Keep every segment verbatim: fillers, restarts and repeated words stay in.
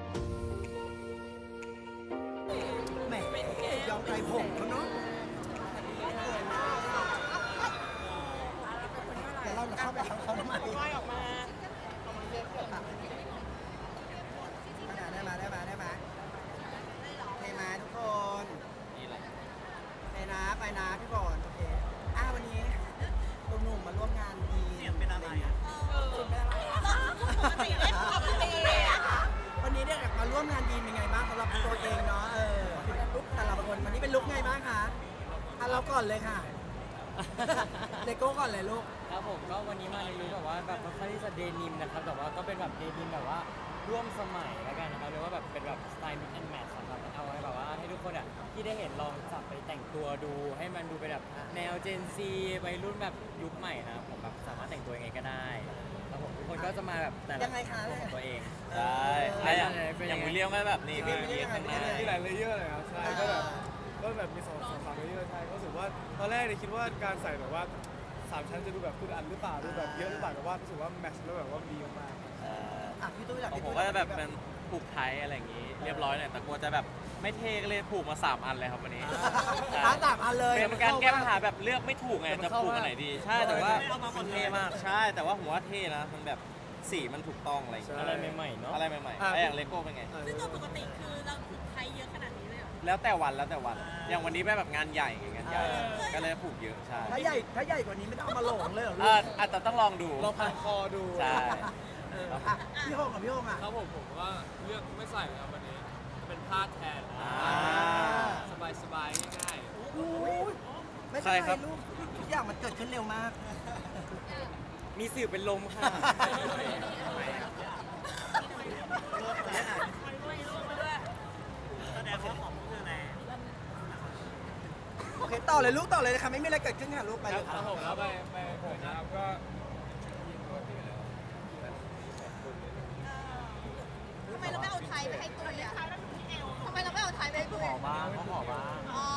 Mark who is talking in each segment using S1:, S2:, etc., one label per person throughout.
S1: แหมยอมใจผมเขาเนาะแต่เราเข้าไปเขาทำไมออกมาได้มาได้มาได้มาเทมาทุกคนเทนะไปนะพี่บอลโอเคอ้าวันนี้หนุ่มๆมาร่วมงานดีเสียงเป็นอะไรอ่ะปกติเลยปกติเลยวันนี้เนี่ยมาร่วมงานดีเป็นไงบ้างสำหรับตัวเองเนาะเออลุกแต่ละคนวันนี้เป็นลุกไงบ้างคะอ่ะเราก่อนเลยค่ะเลโก้ก่อนเลยลูก
S2: ครับผมก็วันนี้มาในลุคแบบว่าแบบค่อนข้างที่จะเดนิมนะครับแต่ว่าก็เป็นแบบเดนิมแบบว่าร่วมสมัยแล้วกันนะครับเรียกว่าแบบเป็นแบบสไตล์ mix and match ครับเอาไว้แบบว่าให้ทุกคนอ่ะที่ได้เห็นลองจับไปแต่งตัวดูให้มันดูเป็นแบบแนว Gen Z วัยรุ่นแบบยุคใหม่นะผมแบบสามารถแต่งตัวยังไงก็ได้แล้วผมทุกคนก็จะมาแบบแต่ละ
S1: ยังไงคะ
S2: ตัวของตัวเอง
S3: ใช่ถ้าอย่างอย่างวิลเลียมก็แบบนี่
S1: วิ
S3: มี
S1: ลเลียม
S3: ข้างหน้า
S1: ยังไง
S4: มีหลายเลเยอร์เลยครับใช่ก็แบบก็แบบมีสองสองสามเลเยอร์ใช่ก็รู้สึกว่าตอนแรกเนี่ยคิดว่าการใส่แบบว่าสามชั้นจะดูแบบคุณอันหรือเปล่าดูแบบเยอะหรือเปล่าแต่ว่ารู้สึกว่าแมทช์แล้วแบบว่าดีมาก
S3: เอ่อ
S1: อ่ะพี่ตุ้ยหลัก
S3: ของผมก็จะแบบเป็นผูกไทยอะไรอย่างงี้ เรียบร้อยหน่อยแต่กลัวจะแบบไม่เท่ก็เลยผูกมาสามอันเลยครับวันนี้
S1: ร้านสามอันเลย
S3: เป็นการแก้ปัญหาแบบเลือกไม่ถูกไงจะผูกอันไหนดีใช่แต่ว่ามันเท่มากใช่แต่ว่าผมว่าเท่นะมันแบบสีมันถูกต้องอะไรอย่างเงี้ย
S2: อะไรใหม่ๆเนาะ
S3: อะไรใหม่ๆไอ้อย่างเลโก้เป็นไง
S4: ๆ
S5: ซึ่งโดยปกติคือเราถูกใช้เยอะขนาดนี้เลยเหรอ
S3: แล้วแต่วันแล้วแต่วัน อย่างวันนี้เป็นแบบงานใหญ่ไงงานใหญ่ก็เลยผูกเยอะใช่
S1: ถ้าใหญ่ถ้าใหญ่กว่านี้ไม่ต้องเอามาหลงเลยเหรอลู
S3: เอก ออาจจะต้องลองดู
S4: ลองพันคอดู
S3: ใช่
S1: เอออ่ะพี่โฮงกับพี่โฮงอ่ะ
S6: ครับผมผมก็เลือกไม่ใส่เลยครับวันนี้เป็นผ้าแทน
S3: อ่า
S6: สบายสบายๆง่าย
S1: อุ้ยไม่เป็น
S3: ใครค
S1: ไร
S3: รับ
S1: ลูกทุกอย่างมันเกิดขึ้นเร็วมาก
S2: มีสื่อเป็นลมค่ะ
S1: โอเคต่อเลยลูกต่อเลยนะคะไม่มีอะไรเกิดขึ้นค่ะลูกไปเลย
S4: ครับผมแล้วไปไปผมนะครับก็
S5: ทำไมเราไม่เอาไทยไปให้ตุ้ยอ่ะทำไมเราไม่เอาไทยไปให้ตุ้ย
S2: ขอบ้างเขาขอบ้าง
S5: อ๋อ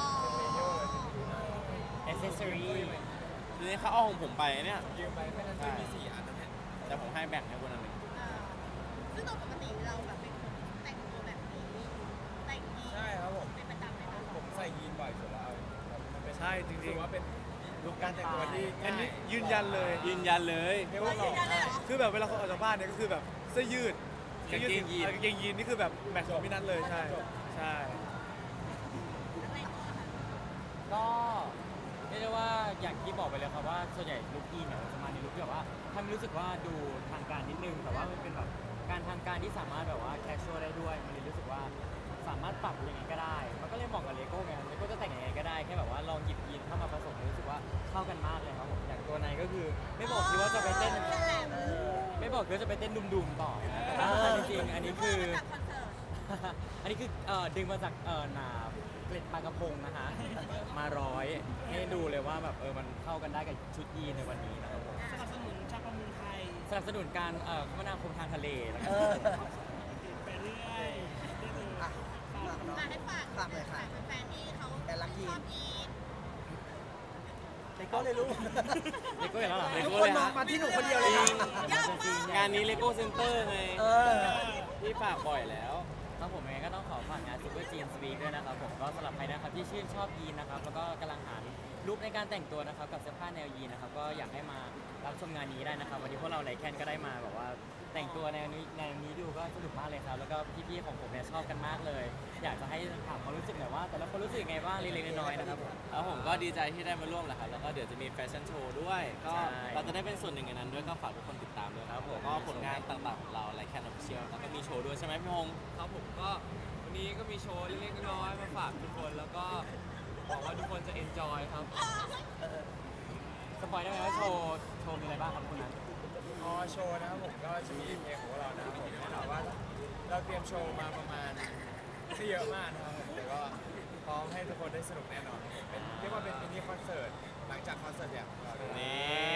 S2: accessory
S3: ทีนี้เขาเอาของผมไปเนี่ย
S4: ยืมไปไม่นั้นจะมีสี่อันนะเนี่ย
S3: แต่ผมให้แบ่งให้คนละหนึ่ง
S5: อ่าซึ่งโดยปกติเราแบบเป็นคนแต่งตัวแบบนี้ แต่งยีน
S4: ใช่ครับผม
S5: เป็นประจำเลยนะ
S4: ผมใส่ยีนบ่อยสุดแล้วมันเป็นใช่จริงๆว่าเป็น
S2: ลุคการแต่งตัวที่
S4: อันนี้ยืนยันเลย
S3: ยืนยันเลย
S4: เรียกว่าหล่อคือแบบเวลาเขาออกจากบ้านเนี่ยก็คือแบบเสื้อยืด
S3: กางเกงยีน
S4: กางเกงยีนนี่คือแบบแมทช์ของพี่นัทเลยใช่ใช่
S5: อะไรก็ค่ะ
S2: ก็เรียกได้ว่าอย่างที่บอกไปเลยครับว่าส่วนใหญ่ลุคอีเนี่ยจะมาในลุคที่แบบว่าทำให้รู้สึกว่าดูทางการนิดนึงแต่ว่ามันเป็นแบบการทางการที่สามารถแบบว่าแคชชวลได้ด้วยมันเลยรู้สึกว่าสามารถปรับยังไงก็ได้ มันก็เลยเหมาะกับเลโก้ไงเลโก้จะแต่งยังไงก็ได้แค่แบบว่าลองหยิบยีนเข้ามาผสมรู้สึกว่าเข้ากันมากเลยครับผมอย่างตัวในก็คือไม่บอกคิดว่าจะไปเต้นไม่บอกคิดว่าจะไปเต้นดุมๆต่อนะแต่ว่าจริงๆอันนี้คือ
S5: เมื่มาจากคอนเสิร์ต
S2: อันนี้คือเอ่อดึงมาจากเอ่อหนาเกล็ดปลากระพงนะฮะ มาร้อยให้ดูเลยว่าแบบเออมันเข้ากันได้กับชุดยีนในวันนี้นะครับผม
S5: สนับสนุนชาวประมงไทย
S2: สนับสนุนการเอ่อคมนาคมทางทะเลนะค
S1: เอ
S2: รับ
S1: อ
S5: ไปเรื่อย
S1: อ่ะฝากเนาะ
S5: มาให้ฝาก
S1: ฝากเลยค่ะ
S5: แฟนๆที่เขา
S1: แต่ละยีน
S5: ชอบยีน
S1: เลโก้เลยลูก
S2: เลโก้อย่างนั้นเหรอ
S3: เล
S1: ทุก
S3: โก้
S1: คน
S3: เลย
S1: มอ
S3: ฮะ
S1: งมาที่หนูคนเดียวเลยค่ะ
S5: ยากมาก
S3: งานนี้เลโก้เซ็นเตอร์ไง
S1: เออ
S3: ที่ฝากบ่อยแล้ว
S2: ครับผมยังไงก็ต้องขอฝากงาน Super Jeans Week ด้วยนะครับผมก็สำหรับใครนะครับที่ชื่นชอบยีนนะครับแล้วก็กำลังหาลุคในการแต่งตัวนะครับกับเสื้อผ้าแนวยีนนะครับก็อยากให้มารับชมงานนี้ได้นะครับวันนี้พวกเราไลแคนก็ได้มาแบบว่าแต่งตัวแนวนี้แนวนี้ดูก็สนุกมากเลยครับแล้วก็พี่ๆของผมเนี่ยชอบกันมากเลย อยากจะให้ถามความรู้สึกหน่อยว่า แต่ละคนรู้สึกยังไงบ้างเล็กๆน้อยๆนะครับผม
S3: แล้วผมก็ดีใจที่ได้มาร่วมแหละครับ แล้วก็เดี๋ยวจะมีแฟชั่นโชว์ด้วย ก็
S2: ใช่
S3: เราจะได้เป็นส่วนหนึ่งในนั้นด้วย ก็ฝากทุกคนติดตามด้วยครับผมก็ผลงานต่างๆของเราไลแคนออฟฟิเชียลแล้วก็มีโชว์ด้วยใช่ไหมพี่ฮง
S6: ๆครับผมก็วันนี้ก็มีโชว์เล็กๆน้อยๆมาฝากทุกคนแล้วก็หวังว่าทุกคนจะเอนจอยครับ
S2: สปอยได้ไหมว่าโชว์โชว์มีอะไรบ้างครับคุณนั้น
S4: อ๋อโชว์นะครับผมก็จะมีเพลงของเรานะครับผมแน่นอนว่าเราเตรียมโชว์มาประมาณไม่เยอะมากนะครับผมแต่ก็พร้อมให้ทุกคนได้สนุกแน่นอนครับผมเป็นเรียกว่าเป็นมินิคอนเสิร์ตหลังจากคอนเสิร์ตอย่างของเราเลย
S3: นี่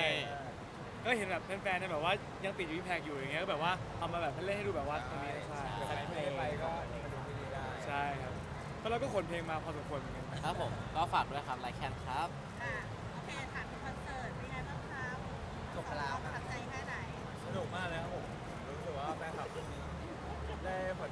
S4: ก็เห็นแบบแฟนๆเนี่ยแบบว่ายังติดอยู่ที่แพกอยู่อย่างเงี้ยก็แบบว่าเอามาแบบเล่นให้ดูแบบว่าตรงนี้ใช่ใครไม่ได้ไปก็มาดูที่นี่ได้ใช่ครับแล้วเราก็ขนเพลงมาพอสมควรเหมือนกัน
S3: ครับผมก็ฝากด้วยครับไลแคนครับ
S5: อ่ะโอเคถามถึงคอนเสิร์ตเป็นไงบ้างครับ
S1: จบไปแล้ว
S5: ประทับใจแค่ไหน
S4: สนุกมากเลยครับผมรู้สึกว่าแฟนคลับที่นี้ได้ผลตอบรับดี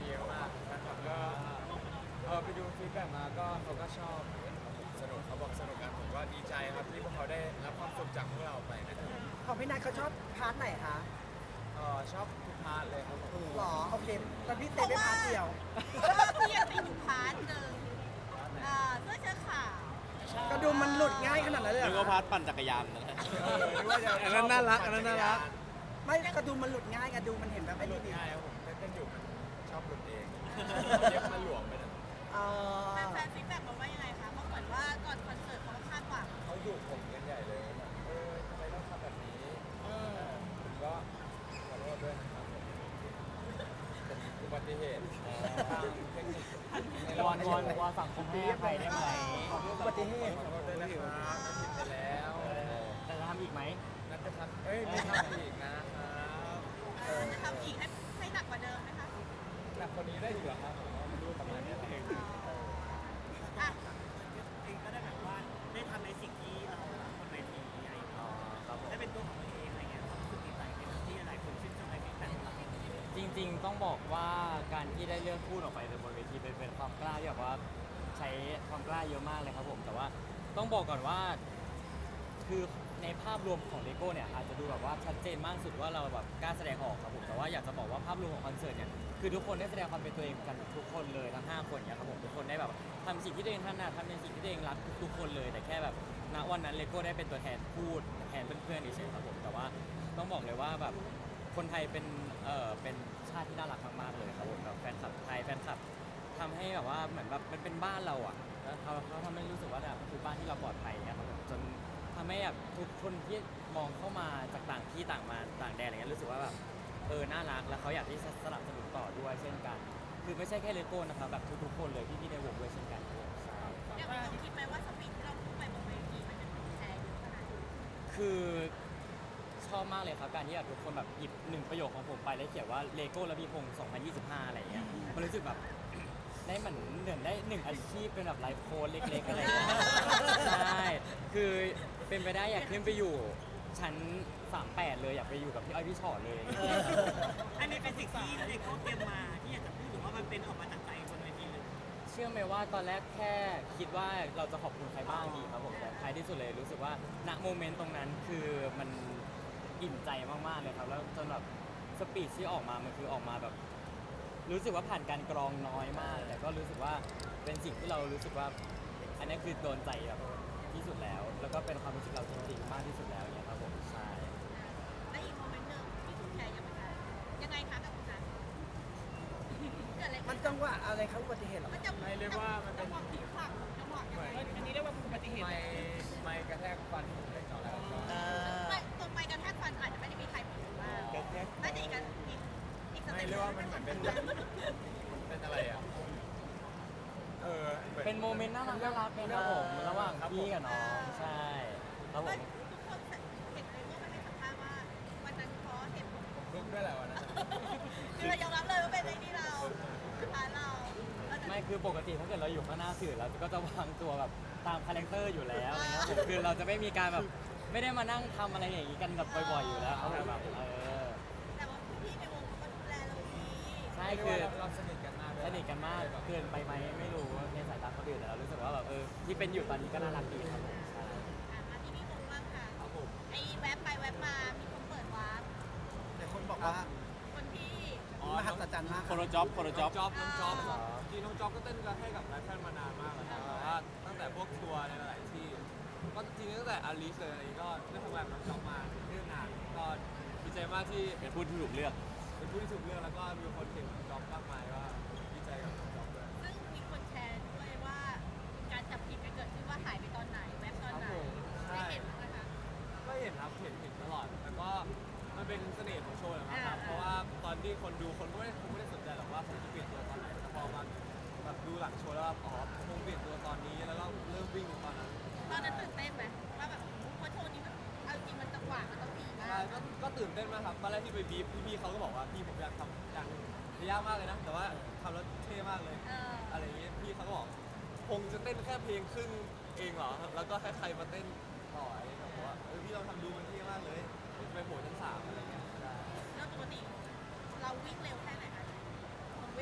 S4: เยอะมากแฟนคลับก็เออไปดูฟีดแบ็กมาก็เขาก็ชอบเหมือนกันครับผมสนุกเขาบอกสนุกกันผมก็ดีใจครับที่พวกเขาได้รับความสุขจากพวกเราไปนะครับ
S1: ของพี่นัทเขาชอบพาร์ทไหนคะ
S4: เออชอบทุกพาร์ทเลยครับผม
S1: หรอโอเคแต่พี่เต้ไม่พาร์ทเดียว
S5: พี่ยังมีอยู่พาร์ทหนึ่งอ่าเสื้อเชิ้ตขาว
S1: กระดุมมันหลุดง่ายขนาดนั้นเลยเหร
S3: นึ
S1: อก
S3: ว่าพาร์ทปั่นจักรยานนะ
S4: เออนึกว่าจะ
S3: อันนั้นน่ารักอันนั้นน่ารัก
S1: ไม่กระดุมมันหลุดง่ายกระดุมมันเห็นแบบ
S4: ไม่
S1: ไม่
S4: หลุ
S1: ดี
S4: ดง่ายครับผมเต้นๆอยู่มันชอบหลุดเองเย็บมันหลวมไปนะ
S1: เออ
S5: แฟนๆฟีดแบ็กมาว่ายังไงคะเพราะเหมือนว่าก่อนคอนเสิร์ตเขาก็คาดหวัง
S4: เขาดุผมกันใหญ่เลยแบบเออทำไมต้องทำแบบนี้เออผมก็ขอโทษด้วยนะครับผมเป็นอุบัติเหตุทางเทคนิคว
S2: อนวอนวอนสังคมให้อภัยได้ไหม
S1: อุบัติเหตุ
S4: ขอโทษด้วยนะครับผิดไปแล้ว
S2: แต่จะทำอีกไหม
S4: นัดจะทำเอ้ยไม่ทำอีกนะครับ
S5: เออจะทำอีกให้ให้หนักกว่าเดิมไหมคะ
S4: หนักคนนี้ได้อีกเหรอครับผมไม่รู้ประมาณนี้เอง
S5: อ่ะ
S7: เองก็ได้แบบว่าได้ทำในสิ่งที่เรารักบนเวทีอะไรอย่างเงี้ย
S2: อ๋อครับผม
S7: ได้เป็นตัวของตัวเองอะไรเงี้ยรู้สึกดีใจที่หลายคนชื่นชมในฟีดแบ็กของเรา
S2: จริงๆ ต้องบอกว่าการที่ได้เลือกพูดออกไปบนเวทีเป็นเป็นความกล้าที่แบบว่าใช้ความกล้าเยอะมากเลยครับผม แต่ว่าต้องบอกก่อนว่า คือในภาพรวมของเลโก้เนี่ยอาจจะดูแบบว่าชัดเจนมากสุดว่าเราแบบกล้าแสดงออกครับผม แต่ว่าอยากจะบอกว่าภาพรวมของคอนเสิร์ตเนี่ยคือทุกคนได้แสดงความเป็นตัวเองกันทุกคนเลยทั้งห้าคนเนี่ยครับผมทุกคนได้แบบทำสิ่งที่ตัวเองถนัดทำในสิ่งที่ตัวเองรักทุกๆคนเลย แต่แค่แบบณวันนั้นเลโก้ได้เป็นตัวแทนพูดแทนเพื่อนๆเฉยๆครับผมแต่ว่าต้องบอกเลยว่าแบบคนไทยเป็นเอ่อเป็นชาติที่น่ารักมากๆเลยครับผมแบบแฟนคลับไทยแฟนคลับทำให้แบบว่าเหมือนแบบมันเป็นบ้านเราอ่ะแล้วเขาเขาทำให้รู้สึกว่าแบบคือบ้านที่เราปลอดภัยเนี่ยครับผมจนทำให้แบบทุกคนที่มองเข้ามาจากต่างที่ต่างมาต่างแดนอะไรเงี้ยรู้สึกว่าแบบเออน่ารักแล้วเขาอยากที่จะสนับสนุนต่อด้วยเช่นกัน คือไม่ใช่แค่เลโก้นะครับแบบทุกๆคนเลยพี่ๆในวงด้วยเช่นกันครับผมใช่
S5: ยังมีความคิดไหมว่าสปีดที่เราพูดไปบนเวทีมันจะถูกแชร์เยอะขนาดไหน
S2: คือชอบมากเลยครับการที่แบบทุกคนแบบหยิบหนึ่งประโยคของผมไปแล้วเขียนว่าเลโก้ระพีพงศ์สองพันยี่สิบห้าอะไรอย่างเงี้ยมันรู้สึกแบบ ได้เหมือนเหมือนได้หนึ่งอาชีพเป็นแบบไลฟ์โค้ดเล็กๆอะไรอย่างเงี้ยใช่คือเป็นไปได้อยากขึ้นไปอยู่ชั้นสามแปดเลยอยากไปอยู่กับพี่อ้อยพี่ชอตเลย
S7: อันนี้เป็นสิ่งที่เด็กเขาเตรียมมาที่อยากจะพูดหรือว่ามันเป็นออกมาจากใจบนเวทีเลย
S2: เชื่อไหมว่าตอนแรกแค่คิดว่าเราจะขอบคุณใครบ้างดีครับผมแต่ท้ายที่สุดเลยรู้สึกว่าณโมเมนต์ตรงนั้นคือมันอิ่มใจมากๆเลยครับแล้วจนแบบสปีดที่ออกมามันคือออกมาแบบ รู้สึกว่าผ่านการกรองน้อยมาก แต่ก็รู้สึกว่าเป็นสิ่งที่เรารู้สึกว่า อันนี้คือโดนใจแบบที่สุดแล้ว แล้วก็เป็นความรู้สึกเราจริงๆมากที่สุดแล้วเนี่ยครับผมใช่
S5: และอีกโมเมนต์หนึ่งที่ถูกแชร์ยังไงยังไงคะกับคุณนัทเกิดอะไร
S1: มันจังหวะอะไรครับอุบัติเหตุเหรอ
S5: มันจะ
S4: ไม่เรียกว่ามันเป็น
S5: จังหวะพลิกผักจังหวะยังไง
S7: อันนี้เรียกว่าอุบัติเหตุ
S4: ไม่ไม่กระแทกฟันผมเล็กน้อยแล้วก็
S1: เออ
S5: ไม่ตัวไปกันแทกฟันอาจจะไม่ได้มีใครพูดว่าน่าจะอีกกันอีกอีกส
S4: ไม่
S5: เต็ป
S4: เรียกว่ามันเหมือนเป็นมันเป็นอะไรอ่ะเออหมือ
S2: เป็นโมเมนต์น่ารักน่ารักเป็นครับผมระหว่างพี่กับน้องใช่ครับผ
S5: ไม่
S2: ม
S5: ทุกคนเห็นเลยว่ามันเป็นสัมภาษณ์ว่าวันนั้นเพราะเห็นผม
S4: ผมลุกด้วยแหละวันนั้น
S5: คือเรายอมรับเลยว่าเป็นไอ้นี่เราฐานเรา
S2: ไม่คือปกติถ้าเกิดเราอยู่ข้างหน้าสื่อเราก็จะวางตัวแบบตามคาแรคเตอร์อยู่แล้วอะไรเงี้ยผมคือเราจะไม่มีการแบบไม่ได้มานั่งทำอะไรอย่างนี้กันแบบบ่อยๆอยู่แล้วครับผมแบบเออ
S5: แต่ว่าพี่ในวงเขาก็ดูแลเราดี
S2: ใช่
S4: เรียก
S2: คือ
S4: ว่าเราสนิทกันมากด้วย
S2: สนิทกันมากเกินไปไหมไม่รู้ในสายตาคนอื่นแต่เรารู้สึกว่าแบบเออที่เป็นอยู่ตอนนี้ก็น่ารักดีครับผมใช่
S5: อ่ะมาที่นี่วงบ้างค่ะไอ้แว็บไปแว็บมามีคนเปิดวาร์ป
S1: แต่คนบอกว่า
S5: คนที่
S1: มหัศจรรย์มาก
S3: โคโรจ็อบโคโรจ็อบ
S6: จ๊อบน้องจ๊อบจริงน้องจ๊อบก็เต้นกันให้กับไลฟ์แฟนมานานมากแล้วนะแต่ว่าตั้งแต่พวกทัวร์ในหลายๆที่ ก็จริงๆตั้งแต่อาริสเลยอะไรนี้ก็ได้ทำงานกับน้องจ๊อบมาเนื่องนานก็ดีใจมากที่
S3: เป็นผู้ที่ถูกเลือก
S6: เป็นผู้ที่ถูกเลือกแล้วก็มีคนเห็นน้องจ๊อบมากมายว่าดีใจกับน้องจ๊อบด้วย
S5: ซึ่งมีคนแชร์ด้วยว่าการจับผิดกันเกิดขึ้นว่าหายไปตอนไหนแว็บตอนไหนได้เห็นไหมคะ
S6: ก็เห็นครับเห็นเห็นตลอดแต่ก็มันเป็นเสน่ห์ของโชว์แหละมั้งครับ
S5: อ่า
S6: เพราะว่าตอนที่คนดูคนก็ไม่ได้คงไม่ได้สนใจหรอกว่าผมจะเปลี่ยนตัวตอนไหนแต่พอมาแบบดูหลังโชว์แล้วแบบอ๋อผมคงเปลี่ยนตัวตอนนี้แล้วก็เริ่มวิ่งตอนนั้น
S5: ตอนนั้นตื่นเต้นไหมว่าแบบเพราะโชว์นี้มันเอาจริงมันจังหวะมันต้องดีมา
S6: ใช่
S5: ก
S6: ก็ก็ตื่นเต้นมากครับตอนแรกที่ไปบีบพี่ๆเขาก็บอกว่าพี่ผมอยากทำอย่างยากมากเลยนะ แต่ว่าทำแล้วเท่มากเลย
S5: เออ
S6: อะไรอย่างเงี้ยพี่เขาก็บอกคงจะเต้นแค่เพลงครึ่งเองเหรอแล้วก็ให้ใครมาเต้นต่ออะไรอย่างเงี้ยผมว่าเออพี่ลองทำดูมันเท่มากเลยเดี๋ยวจะไปโผล่ชั้นสามอะไรเงี้ยได้
S5: แล้วปกติเราวิ่งเร็วแค่ไหนคะผมวิ่ง
S1: สาม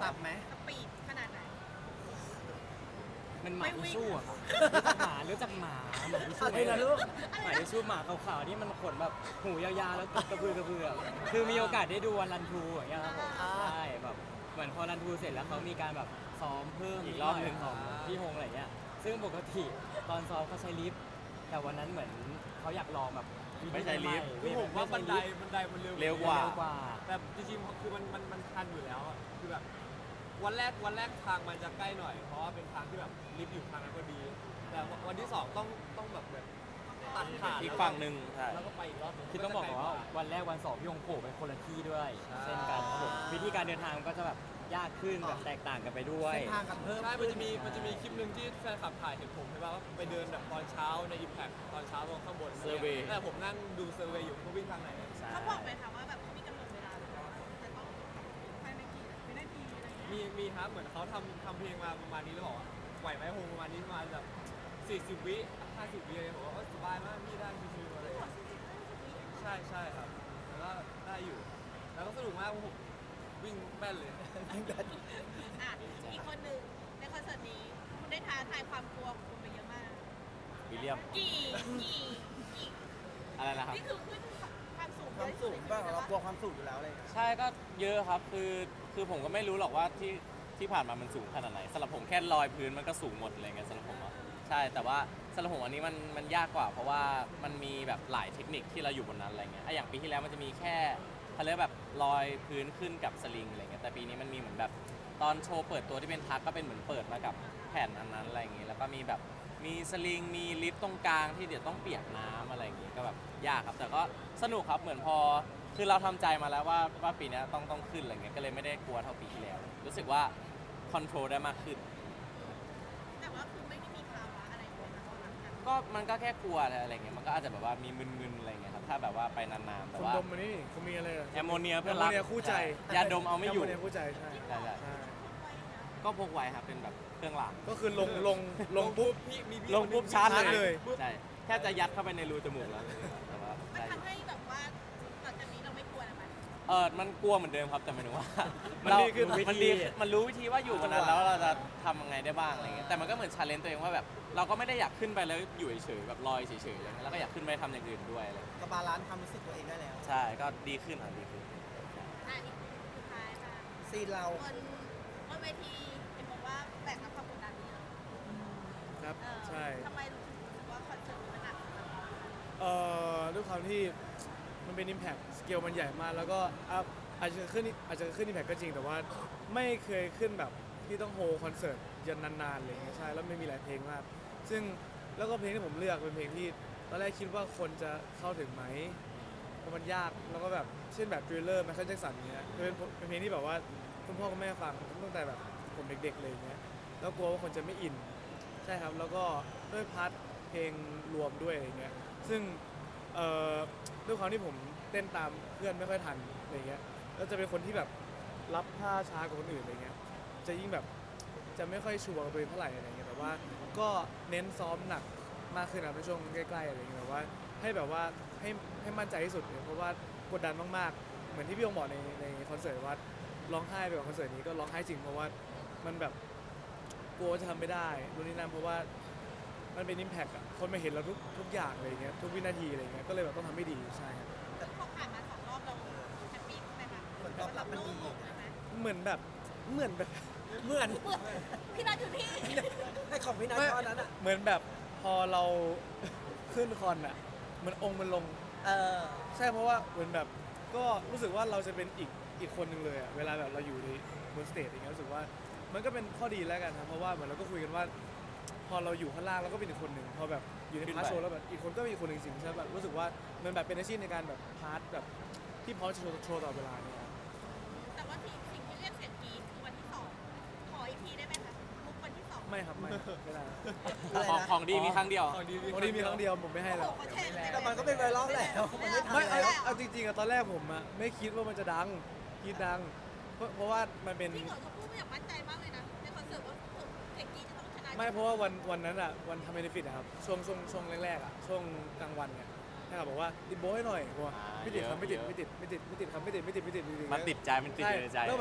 S1: ขับไหม
S5: สปีดขนาดไหน
S2: มันหมา
S5: ไม่วิ่
S2: ทิช
S5: ง
S2: ชู่อะครับรู้จักหมารู้จักหมาหมาทิชชู่
S1: อะไรนะลูก
S2: หมาทิชชู่หมาขาวๆที่มันขนแบบหูยาวๆแล้วกระพือกระพืออะคือมีโอกาสได้ดูวันรันทรูอย่างเงี้ยครับผม
S1: อ่า
S2: ใช่แบบเหมือนพอรันทรูเสร็จแล้วเขามีการแบบซ้อมเพิ่ม
S3: อีกรอบหนึ่ง
S2: ของพี่ฮงอะไรเงี้ยซึ่งปกติตอนซ้อมเขาใช้ลิฟต์แต่วันนั้นเหมือนเขาอยากลองแบบ
S3: ไม่ใช่ลิฟต์
S6: คือผมว่าบันไดบันไดมันเร็ว
S3: เร็วกว่า
S2: เร็วกว่า
S6: แต่จริงๆคือมันมันมันทันอยู่แล้วอะคือแบบวันแรกวันแรกทางมันจะใกล้หน่อย เพราะว่าเป็นทางที่แบบลิฟต์อยู่ทางนั้นพอดี แต่วันที่สองต้องต้องแบบแบบตัดผ่าน
S3: อีกฝั่งหนึ่งใช่
S6: แล้วก็ไปอีกรอบหนึ่ง
S2: คือต้องบอกก่อนว่าวันแรกวันสองพี่ฮงโผล่ไปคนละที่ด้วยเช่นกันครับผมวิธีการเดินทางมันก็จะแบบยากขึ้นแบบแตกต่างกันไปด้วย
S1: เส้นทางกันเพิ่ม
S6: ใช่ มันจะมีมันจะมีคลิปหนึ่งที่แฟนคลับถ่ายเห็นผมใช่ป่ะว่าผมไปเดินแบบตอนเช้าใน Impact ตอนเช้าตรงข้างบน
S3: Survey
S6: แต่ผมนั่งดูเซอร์เวย์อยู่เขาวิ่งทางไหน
S2: ใช่
S5: เขาบอกไหมคะว่าแบบเขามีกำหนดเวลาหรือว่าจะต้องภายในกี่วินาทีอะไรอย่างเงี้ย
S6: มีมีครับเหมือนเขาทำทำเพลงมาประมาณนี้แล้วบอกว่าไหวไหมคงประมาณนี้ประมาณแบบสี่สิบวิห้าสิบวิอะไรผมว่าเออสบายมากพี่ได้ชิวๆอะไรอย่างเงี้ยใช่ใช่ครับแล้วก็ได้อยู่ แล้วก็สนุกมากเพราะผมวิ่งแม่นเลย
S5: อ่ะอีกคนหนึ่งในคอนเสิร์ตนี้คุณได้ท้าทายความกลัวของคุณไปเยอะมาก
S3: วิลเลียม
S5: กี่กี่กี่
S3: อะไรนะครับ
S5: นี่คือขึ้นความสูง
S1: ความสูงบ้างเรากลัวความสูงอยู่แล้วเลย
S3: ใช่ก็เยอะครับคือคือผมก็ไม่รู้หรอกว่าที่ที่ผ่านมามันสูงขนาดไหนสำหรับผมแค่ลอยพื้นมันก็สูงหมดอะไรเงี้ยสำหรับผมอะใช่แต่ว่าสำหรับผมอันนี้มันมันยากกว่า เพราะว่ามันมีแบบหลายเทคนิคที่เราอยู่บนนั้นอะไรเงี้ยอ่ะอย่างปีที่แล้วมันจะมีแค่เขาเรียกแบบลอยพื้นขึ้นกับสลิงอะไรเงี้ยแต่ปีนี้มันมีเหมือนแบบตอนโชว์เปิดตัวที่เป็นทักก็เป็นเหมือนเปิดมากับแผ่นอันนั้นอะไรเงี้ยแล้วก็มีแบบมีสลิงมีลิฟต์ตรงกลางที่เดี๋ยวต้องเปียกน้ำอะไรอย่างงี้ก็แบบยากครับแต่ก็สนุกครับเหมือนพอ คือเราทำใจมาแล้วว่าว่าปีนี้ต้องต้องขึ้นอะไรเงี้ยก็เลยไม่ได้กลัวเท่าปีที่แล้ว รู้สึกว่าคอนโทรลได้มากขึ้น
S5: แต่ว่าคือไม่ได้มีภาวะอะไรเลยนะตอนหลังจาก
S3: ก็มันก็แค่กลัวอะไรเงี้ยมันก็อาจจะแบบว่ามีมึนๆอะไรเงี้ยครับถ้าแบบว่าไปนานๆแต่
S4: คุณ
S3: ว่า
S4: ดมมานี่คุณมีอะไรเหรอ
S3: แอมโมเนียเพื่อน
S4: แอม
S3: รั
S4: โม
S3: ก
S4: เนียคู่ใจ
S3: ยาดมเอาไม่อยู่
S4: แอมโมเนียคู่ใจใช่
S3: ใช่ใช่
S4: ใช่
S3: ก็พกไว้ครับเป็นแบบเครื่องราง
S4: ก็คือลงลงลงปุ๊บ
S6: พี่มีพี่
S3: ลงปุ๊บชาร์จ
S4: ชาร์จ
S3: เล
S4: เลย ย
S3: ใช่แค่จะยัดเข้าไปในรูจมูกแล้วแต่ว่า
S5: มัน
S3: ได้
S5: ทำให้แบบว่าหลังจากนี้เราไม่กลัวแล้วไหม
S3: เออมันกลัวเหมือนเดิมครับแต่หมายถึงว่า
S4: มัน
S3: เรา
S4: ดีขึ้น
S3: มันดีมันรู้วิธีว่าอยู่บนนั้นแล้วเราจะทำยังไงได้บ้างอะไรเงี้ยแต่มันก็เหมือนชาเลนจ์ตัวเองว่าแบบเราก็ไม่ได้อยากขึ้นไปแล้วอยู่เฉยๆแบบลอยเฉยๆอะไรเงี้ยแล้วก็อยากขึ้นไปทำอย่างอื่นด้วยอะไรเงี้ย
S1: ก็บาลานซ์ความรู้สึกตัวเองได้แล้ว
S3: ใช่ก็ดีขึ้นอ่ะดีขึ้น
S5: อ่ะอีกสุดท้ายค่ะ
S1: ซีนเรา
S5: บนบนเวทีเห็นบอกว่าแบกรับความกดดันเยอะ
S4: ครับ
S5: เออ
S4: ใช่
S5: ทำไมรู้สึกว่าคอนเสิร์ตนี้มันหนักสำหรับเรา
S4: เอ่อด้วยความที่มันเป็น Impact สเกลมันใหญ่มากแล้วก็อ่ะอาจจะขึ้นอาจจะขึ้น Impact ก็จริงแต่ว่าไม่เคยขึ้นแบบที่ต้องโฮคอนเสิร์ตยันนานๆอะไรอย่างเงี้ยใช่แล้วไม่มีหลายเพลงมาก ซึ่งแล้วก็เพลงที่ผมเลือกเป็นเพลงที่ตอนแรกคิดว่าคนจะเข้าถึงไหมเพราะมันยากแล้วก็แบบเช่นแบบทริลเลอร์ไมเคิลแจ็คสันเงี้ยเป็นเป็นเพลงที่แบบว่าคุณพ่อคุณแม่ฟังตั้งแต่แบบผมเด็กๆเลยอย่างเงี้ยแล้วกลัวว่าคนจะไม่อินใช่ครับแล้วก็ด้วยพาร์ทเพลงรวมด้วยอะไรเงี้ยซึ่งเอ่อด้วยความที่ผมเต้นตามเพื่อนไม่ค่อยทันอะไรเงี้ยแล้วจะเป็นคนที่แบบรับท่าช้ากว่าคนอื่นอะไรเงี้ยจะยิ่งแบบจะไม่ค่อยชัวร์กับตัวเองเท่าไหร่อะไรเงี้ยแต่ว่าก็เน้นซ้อมหนักมากขึ้นนะในช่วงใกล้ๆอะไรเงี้ยแบบว่าให้แบบว่าให้ให้มั่นใจที่สุดเลยเพราะว่ากดดันมากๆเหมือนที่พี่องบอกในในคอนเสิร์ตว่าร้องไห้ไปกับคอนเสิร์ตนี้ก็ร้องไห้จริงเพราะว่ามันแบบกลัวว่าจะทำไม่ได้รุ่นนี้นั่นเพราะว่ามันเป็น impact อะคนมาเห็นเราทุกทุกอย่างอะไรเงี้ยทุกวินาทีอะไรเงี้ยก็เลยแบบต้องทำให้ดีใช่ครับ
S5: ซึ่งพอผ่านมาสองรอบเราแฮปปี้ไหมคะ
S1: ผลตอบรับมันดี
S5: โล่งอกไหม
S4: เหมือนแบบเหมือนแบบ
S1: เหมือน
S5: พี่นัทอยู่นี่
S1: ให้ของพี่นัทตอนนั้นอ่ะ
S4: เหมือนแบบพอเรา ขึ้นคอนอ่ะเหมันองค์มันลง
S1: เออ
S4: ใช่เพราะว่าเหมือนแบบก็รู้สึกว่าเราจะเป็นอีกอีกคนหนึ่งเลยอ่ะเวลาแบบเราอยู่ในบนสเตจอย่างเงี้ยรู้สึกว่ามันก็เป็นข้อดีแล้วกันครับเพราะว่าเหมือนเราก็คุยกันว่า พอเราอยู่ข้างล่างเราก็เป็นอีกคนหนึ่งพอแบบอยู่ใน
S3: ขึ้น
S4: พาร์ท
S3: ไป
S4: โชว์แล้วแบบอีกคนก็เป็นอีกคนหนึ่งจริงๆใช่แบบรู้สึกว่ามันแบบเป็นอาชีพในการแบบพาร์ทแบบที่พร้อมจะโชว์โชว์ต่อเวลาเนี่ยครับ
S5: แต่ว่าที่สิ่งที่เรียกเสียงกรี๊ดคือวันที่สองขออีกทีได้ไหมคะมุกวันที่สอง
S4: ไม่ครับไม่ไม่ได้
S1: อะไร
S3: ของ
S1: นะ
S3: ของดีมีครั้งเดียว
S6: ของดี
S4: วันนี้มีครั้งเดียวผมไม่ให้
S5: โอ้
S4: แล้
S5: โห
S4: ว
S5: เขาแชร์
S1: แต่มันก็เป็นไวรัลแล้วมันไม่ทัน
S4: ไม่เอา
S1: แล้ว
S4: เอาจริงๆอะตอนแรกผมอะไม่คิดว่ามันจะดังคิดดัง เพราะเพราะว่ามันเป็น
S5: จริงเหรอเขาพูดไม่อยากมั่นใจมากเลยนะในคอนเสิร์ตว่าเสียงกรี๊ดจะต้องชนะ
S4: ไม่เพราะว่าวันวันนั้นอะวันทำเบนฟิตอะครับช่วงช่วงช่วงแรกๆอะช่วงกลางวันเนี่ยให้เขาบอกว่าติดโบให้หน่อยบอกว่า
S3: อ่า
S4: ไม่ติดครับ
S3: เยอะ
S4: ไม่ติด
S3: เยอะ
S4: ไม่ติดไม่ติดไม่ติดครับไม่ติดไม่ติดไม่ติดไม่ติด
S3: มันติดใจมันติด
S4: ใช่
S3: อยู่ในใจ
S4: แล้วแบบ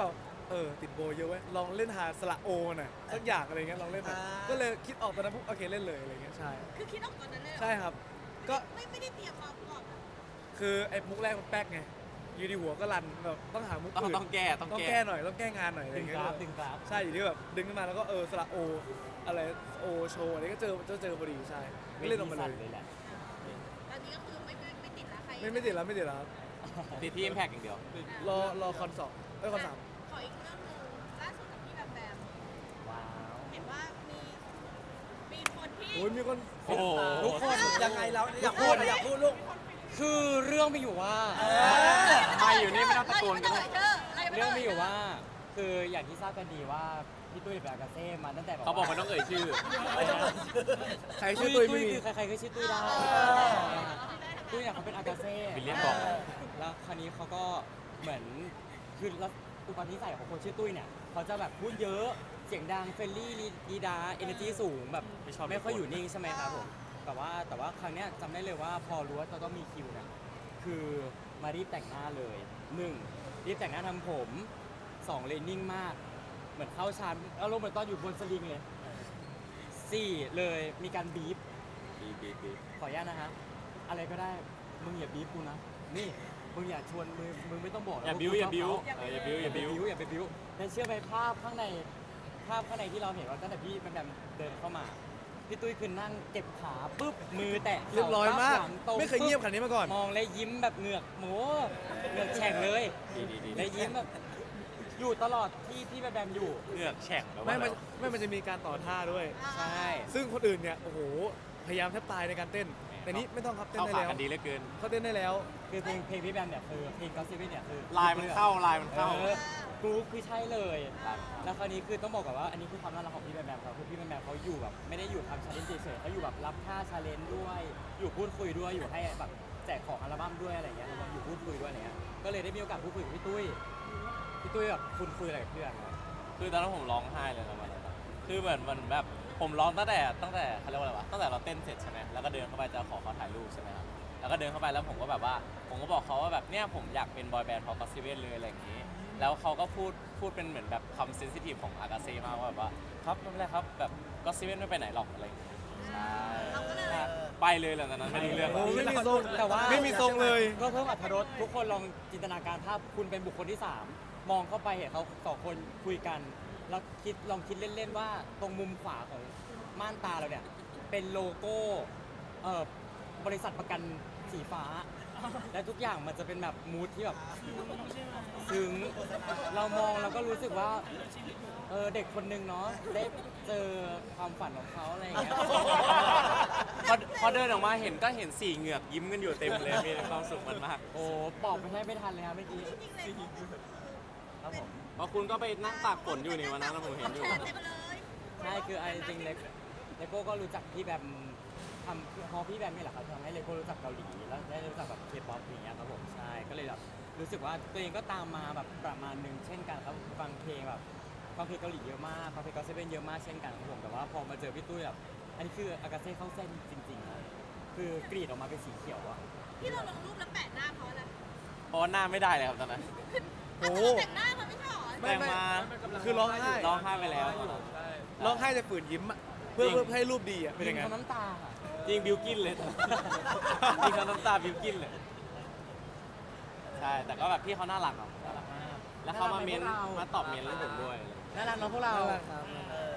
S8: เออติดโบเยอะเว้ยลองเล่นหาสระโอหน่อยสักอย่างอะไรเงี้ยลองเล่นหน่อยก็เลยคิดออกตอนนั้นปุ๊บโอเคเล่นเลยอะไรเงี้ยใช่
S5: คือคิดออกตอนนั้นเลยเหรอ
S8: ใช่ครับ ก็
S5: ไม่ไม่ได้เตรียมมาก่อน
S8: คือไอ้มุกแรกมันแป๊กไงอยู่ดีหัวก็รันแบบต้องหามุก
S3: ต้อง
S8: อื่น
S3: ต้องแก้ต้อง
S8: ต้อง
S3: แก้
S8: แก้หน่อยต้องแก้งานหน่อยอะไร
S2: ดึง
S8: เงี้
S2: ก
S8: ย
S2: ราฟดึงกราฟ
S8: ใช่อยู่ที่แบบดึงขึ้นมาแล้วก็เออสระโออะไรโอโชว์อะไรก็เจอเจอเจอพอดีใช่ก็เล่นออกมาเลย
S2: เลยแหละ
S5: ตอนนี้ก็คือไม่ไม่ไม่ติดละใคร
S8: ไม่ไม่ติดแล้วไม่ติดแล้วครับ
S3: ติดที่ Impact อย่างเดียว
S8: รอรอคอนสองเอ้ยคอนสาม
S5: ขออีกเรื่องหนึงล่าสุดกับพี่แบมแบม
S2: ว้าว
S5: เห็นว่ามีมีคนที่
S8: โอ้ยมีคน
S3: โอ้โห
S1: ทุกคนยังไงเราอยากพูดอยากพูดลูก
S2: คือเรื่องมีอยู่ว่า
S3: มาอยู่นี่ไม่ต้องตะโกนกัน
S5: เล
S3: เลย ย
S5: เธออะไรไม่
S2: เรื่
S5: ต้
S2: อง
S5: ง
S2: มีอยู่ว่า คืออย่างที่ทราบกันดีว่าพี่ตุ้ยเป็นอากาเซ่มาตั้งแต่แบบ
S3: เขาบอกไม่ต้องเอ่ยชื่อ
S1: ไม่ต้องเลย
S8: ใคร
S2: ตุ้
S8: ชื่
S2: ย
S8: อตุ้ย
S2: ตุ้
S8: ไม่
S2: ย
S8: มี
S2: คือใครๆก็ชื่อตุ้ยได้ตุ้ยเนี่ยเขาเป็นอากาเซ่
S3: วิลเลียมบอก
S2: แล้วคราวนี้เขาก็เหมือนคือแล้วอุปนิสัยของคนชื่อตุ้ยเนี่ยเขาจะแบบพูดเยอะเสียงดังเฟรนลี่ดีดาเอเนอร์จีสูงแบบ
S3: ไม่ชอบ
S2: ไม่ค่อยอยู่นิ่งใช่ไหมครับผมแต่ว่าแต่ว่าครั้งเนี้ยจำได้เลยว่าพอรู้ว่าจะต้องมีคิวเนี่ยคือมารีบแต่งหน้าเลยหนึ่งรีบแต่งหน้าทำผมสองเลยนิ่งมาก เหมือนเข้าชานอารมณ์เหมือนตอนอยู่บนสลิงเลยสี่เลยมีการบีบ
S3: บีบีบี
S2: ขออนุญาตนะฮะอะไรก็ได้มึงอย่าบีบกูนะนี่มึงอย่าชวนมึงมึงไม่ต้องบอกนะ
S3: อย่า
S2: ว่
S3: บิ้ว
S2: กู
S3: อย่าบิ้ว
S2: ชบเข
S3: เอออย่าบิ้วอย่าบิ้ว
S2: อย่าไปบิ้วแต่เชื่อไหมภาพข้างในภาพข้างในที่เราเห็นว่าตั้งแต่พี่แบมแบมเดินเข้ามาพี่ตุ้ยคือนั่งเก็บขาปุ๊บมือแตะ
S8: เรียบร้อยมาก
S2: หลังตรง
S8: ไม่เคยเงียบขนาดนี้มาก่อน
S2: มองเลยยิ้มแบบเหงือกหมูเหงือกแฉ่งเลย
S3: ดีดีดี
S2: เลยยิ้มแบบอยู่ตลอดที่ที่แบมแบมอยู่
S3: เหงือกแฉ่งแล้ว
S8: ไม่
S3: ว่า
S8: มันไม่มันจะมีการต่อท่าด้วย
S2: ใช่
S8: ซึ่งคนอื่นเนี่ยโอ้โหพยายามแทบตายในการเต้น แต่นี้ไม่ต้องครับเต้น
S3: เข้า
S8: ได้
S3: ขา
S8: แล้ว
S3: กันดีเหลือเกิน
S8: เขาเต้นได้แล้ว
S2: คือเพลงเพลงพี่แบมเนี่ยคือเพลงก็ซิเว่นเนี่ยคือ
S3: ลายมันเข้าลายมันเข้า
S2: ออกรุ๊ปคือใช่เลย แล้วคราวนี้คือต้องบอกก่อนว่าอันนี้คือความน่ารักของพี่แบมแบมครับคือพี่แบมแบมเขาอยู่แบบไม่ได้อยู่ทำชาเลนจ์เฉยๆเขาอยู่แบบรับค่าชาเลนจ์ด้วย อยู่พูดคุยด้วยอยู่ให้แบบแจกของอัลบั้มด้วยอะไรเงี้ยแล้วก็อยู่พูดคุยด้วยอะไรเงี้ยก็เลยได้มีโอกาสพูดคุยกับพี่ตุ้ยพี่ตุ้ยแบบคุณคุยอะไรกับเพื่อนครับ
S3: คือตอนนั้นผมร้องไห้เลยนะวันนั้นคือเหมือนมันแบบผมร้องตั้งแต่ตั้งแต่เขาเรียกว่าอะไรวะตั้งแต่เราเต้นเสร็จใช่ไหมแล้วก็เดินเข้าไปจะขอเขาถ่ายรูปใช่ไหมครับแล้วก็เดินเข้าไปแล้วผมก็แบบว่าผมก็บอกเขาว่าแบบเนี่ยผมอยากเป็นบอยแบนด์พอก็ซิเว่นเลยอะไรอย่างนี้ แล้วเขาก็พูดพูดเป็นเหมือนแบบคำเซนซิทีฟของอากาเซ่มากว่าแบบว่าครับไม่เป็นไรครับแบบก็ซิเว่นไม่ไปไหนหรอกอะไรอย่างงี้ใช่
S5: เราก็เลย
S3: ไปเลยหลังจากนั้นไม่รู้เรื่อง
S8: โอ้ไม่มีทรง
S2: แต่ว่า
S8: ไม่มีทรงเลย
S2: ก็เพิ่มอรรถรสทุกคนลองจินตนาการภาพคุณเป็นบุคคลที่สามมองเข้าไปเห็นเขาสองคนคุยกันแล้วคิดลองคิดเล่นๆว่าตรงมุมขวาของม่านตาเราเนี่ยเป็นโลโก้เอ่อบริษัทประกันสีฟ้า และทุกอย่างมันจะเป็นแบบมูทที่แบบซึ้งเรามองแล้วก็รู้สึกว่าเออเด็กคนนึงเนาะได้เจอความฝันของเขาอะไรอย่างเงี้ย
S3: พอพอเดินออกมาเห็นก็เห็นสี่เหงือกยิ้มกันอยู่เต็มเลยมีความสุขมันมาก
S2: โอ้ปอบไปให้ไม่ทันเลยครับเมื่อกี้ครับผม
S3: เพราะคุณก็ไปนั่งตากฝนอยู่นี่วันนั้นนะผมเห็นอยู่
S5: เต็มเลย
S2: ใช่คือเอาจริงๆเลเลโก้ก็รู้จักพี่แบมทำพอพี่แบมนี่แหละครับทำให้เลโก้รู้จักเกาหลีแล้วได้รู้จักแบบเคป๊อปอย่างเงี้ยครับผมใช่ก็เลยแบบรู้สึกว่าตัวเองก็ตามมาแบบประมาณหนึงเช่นกันครับฟังเพลงแบบฟังเพลงเกาหลีเยอะมากฟังเพลงก็เซเว่นเยอะมากเช่นกันครับผมแต่ว่าพอมาเจอพี่ตุ้ยแบบอันนี้คืออากาเซ่เข้าเส้นจริงๆนะคือกรีดออกมาเป็นสีเขียวอะ
S5: ที่เราลงรูปแล้วแปะหน้าเขาอะไร
S3: เพราะว่าหน้าไม่ได้เลยครับตอนนั้น
S8: โอ้
S5: เอาแต่เราแต่งหน้าเขาไม่ใช่หรอ
S8: ไม่
S3: แต่ง
S8: ไม่
S3: มา
S8: คือร้องไห้
S3: ร้องไห้ไปแล้ว
S6: ใช่
S8: ร้องไห้จะฝืนยิ้มอะเพื่อ
S3: จริง
S8: เพื่อให้รูปดีอะเป็น
S2: ยิ
S8: ยัง งไง
S2: เขาน้ำตาอะ
S3: จริงบิวกินเลย จริงเขาน้ำตาบิวกินเลย ใช่ แต่ก็แบบพี่เขาน่ารักอ่ะ
S2: น่ารักมาก
S3: แล้วเขามาเม้น
S2: น่รักไหพวกร
S3: มาตอบเม้นให้ผมด้วย
S2: น่ารักเนาะพวกเรา
S8: น่ารักครับ
S1: เออ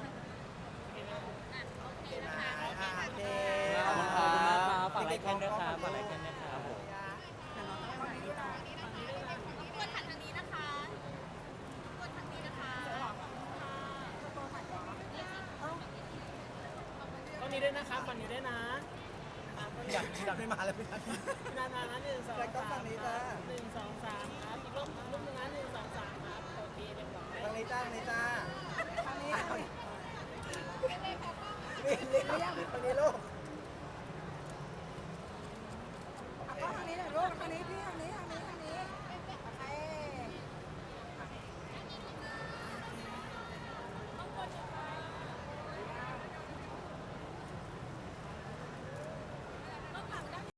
S5: โอเคนะคะ
S1: อ่าโอเค
S2: ขอบคุณครับขอบคุณมากครับฝากไลค์แคนด้วยครับฝากไลค์แคนด้วยครับผม
S5: กดถังทางนี้นะคะกดทางนี้นะคะขอบคุณค่ะ
S7: ตรงนี้ด้วยนะครับฝั่งนี้ด้วยนะ
S1: อยากอยากให้มาแล้วพี่นัท
S7: นานๆนะหนึ่งสอง
S1: แล้วก็
S7: สา
S1: ฝั่ง
S7: ม
S1: นี้จ้า